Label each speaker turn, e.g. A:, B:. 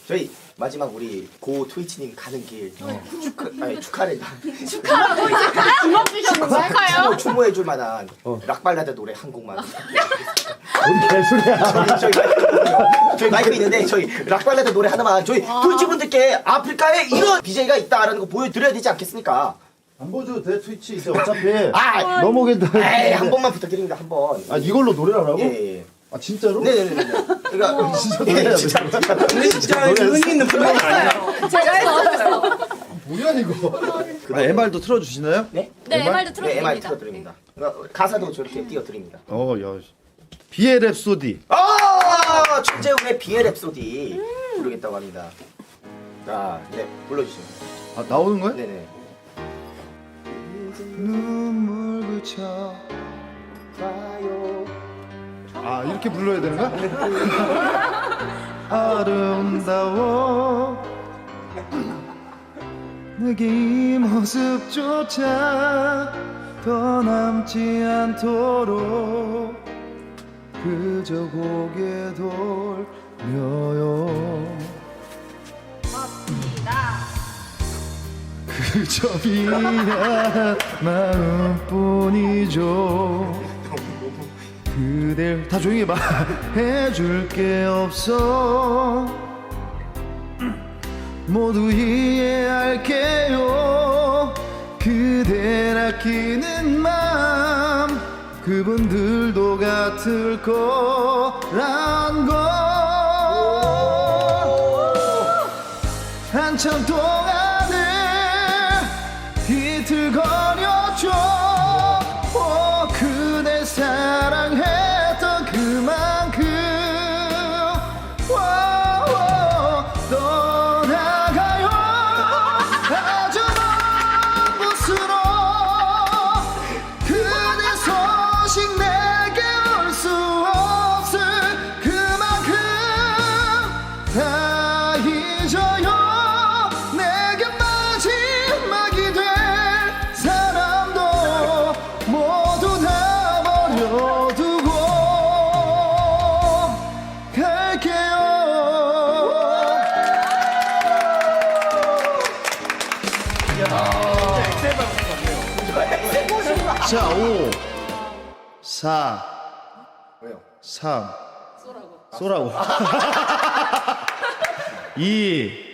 A: 저희 마지막 우리 고 트위치님 가는 길 축하를
B: 축하라고 이제 주먹 주셨는 걸까요?
A: 추모해줄 만한 락발라드 노래 한 곡만.
C: 뭔 개소리야.
A: 저희 마이크 있는데 저희 락발라드 노래 하나만 저희 트위치 분들께 아프리카에 이런 BJ가 있다라는 거 보여드려야 되지 않겠습니까?
C: 안 보여줘도 돼 트위치 이제 어차피
A: 아,
C: 넘어오겠다.
A: 에이, 한 번만 부탁드립니다 한 번.
C: 아 이걸로 노래를 하라고?
A: 예.
C: 아 진짜로?
A: 네네네. 그러니까
C: 진짜 노래야
A: 진짜
D: 진짜 의미 있는 플레이 아니야.
B: 제가 했어요.
C: 뭐야 이거? 아 MR도 틀어주시나요?
A: 네?
B: 네, MR도
A: 네, MR
B: 틀어드립니다.
A: 틀어드립니다. 그러니까 가사도 저렇게 띄워드립니다.
C: 야. 비엘 랩소디.
A: 최재훈의 비엘 랩소디 부르겠다고 합니다. 자, 네, 불러주시죠.
C: 아 나오는 거야?
A: 네네.
C: 눈물 그쳐.
A: 봐요.
C: 아 이렇게 불러야 되는 거야? 아름다워 내게 이 모습조차 더 남지 않도록 그저 고개 돌려요 그저 미안 마음뿐이죠 그댈 다 조용히 해봐 해줄 게 없어 모두 이해할게요 그댈 아끼는 맘 그분들도 같을 거란 걸 한참 동안을 비틀거렸죠 그댈 사랑했던 그만큼 떠나가요 아주 먼 곳으로 그대 소식 내게 올 수 없을 그만큼 다 잊어요 내게 마지막이 될 사람도 모두 다 버려두고 갈게요 자, 5 4
A: 왜요?
C: 3 쏘라고 2